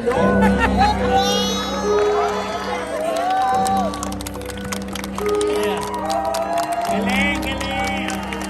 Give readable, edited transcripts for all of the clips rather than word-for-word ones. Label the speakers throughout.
Speaker 1: Galing, galing.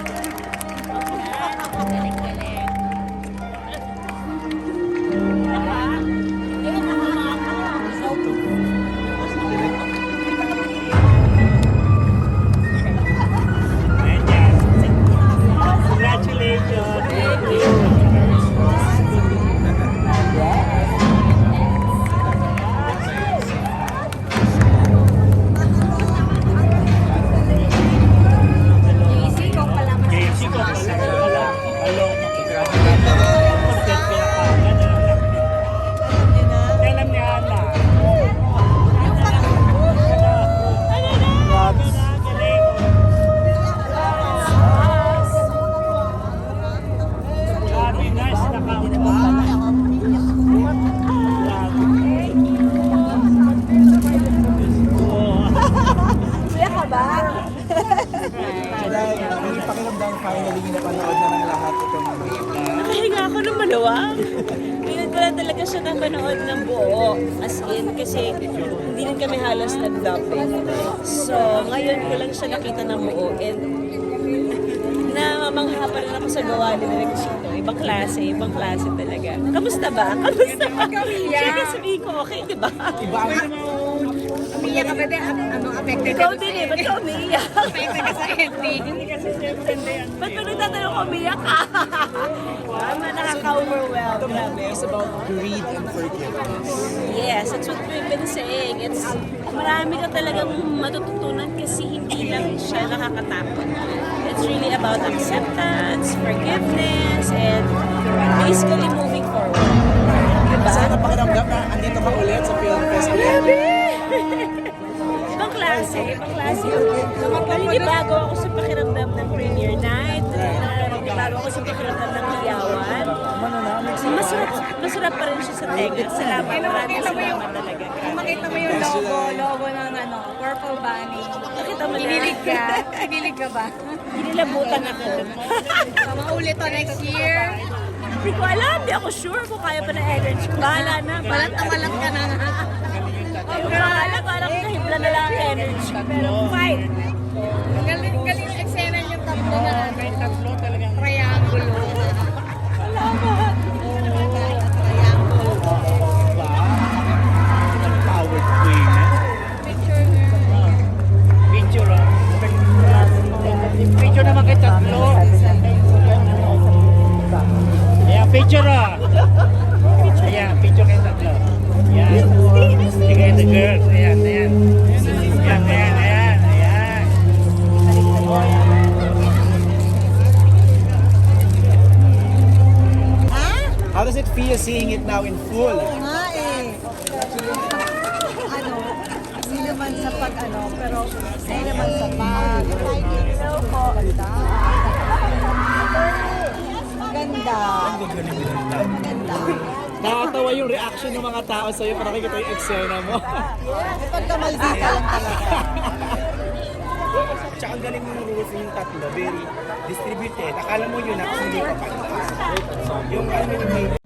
Speaker 2: Yung pakiramdam finally napanood na ng lahat itong
Speaker 3: Nakahinga ako ng maluwag. Pinag ko lang talaga siya napanood ng buo. As in, kasi hindi rin kami halos nag-dubbing. So, ngayon ko lang siya nakita ng buo. And namamangha pa rin ako sa gawa ni Direk Chito. Ibang klase talaga. Kamusta ba? Kamusta ba? Siyempre sabihin ko, okay, di ba?
Speaker 2: iba ang
Speaker 4: Umiyak ka ba din? Ano, affected
Speaker 3: Ikaw din eh, ba't ka umiiyak?
Speaker 4: Affected ka sa ending.
Speaker 3: Ba't pa nagtatanong ko umiiyak ka? Tama, nakaka-overwhelm.
Speaker 2: the movie is about greed and forgiveness.
Speaker 3: Yes, that's what we've been saying. It's marami ka talagang matututunan kasi hindi lang siya nakakatakot. It's really about acceptance, forgiveness, and basically moving forward. Diba?
Speaker 2: Saan ang pakiramdam na andito ka ulit sa film festival?
Speaker 3: Ibang klase, ibang klase. Naninibago ako sa pakiramdam ng premiere night. Naninibago ako sa pakiramdam ng iyawan. Masarap pa rin siya sa tenga. Salamat, maraming salamat talaga.
Speaker 4: Makita mo yung logo ng Purple Bunny.
Speaker 3: Nakita mo na.
Speaker 4: Kinilig ka? Kinilig ka ba?
Speaker 3: Inilabutan ako.
Speaker 4: So, maulit to next year.
Speaker 3: Hindi ko alam, hindi ako sure kung kaya pa na energy. Bahala na.
Speaker 4: Balat na balat ka na nga.
Speaker 3: Pero alam, parang nahibla na lang ang energy. Pero fight.
Speaker 4: Galing yung eksena yung tatlo na triangulo.
Speaker 3: Salamat.
Speaker 1: Powered queen. Picture Picture naman kay tatlo. Ayan, picture Ayan, picture kay tatlo. Ayan. Sige, the girls. Ayan, ayan. Ayan, ayan, ayan. Ayan.
Speaker 2: How does it feel seeing it now in full?
Speaker 5: Nga eh. Hindi naman sa pero hindi naman sa pag. Hello po. Maganda. Maganda.
Speaker 2: Nakakatawa yung reaction ng mga tao sa'yo para nakikita yung eksena mo.
Speaker 5: May pagkamaldita lang talaga.
Speaker 2: Tsaka ang galing ng rules yung tatlo, very distributed. Akala mo yun, ako hindi ka pa. Yung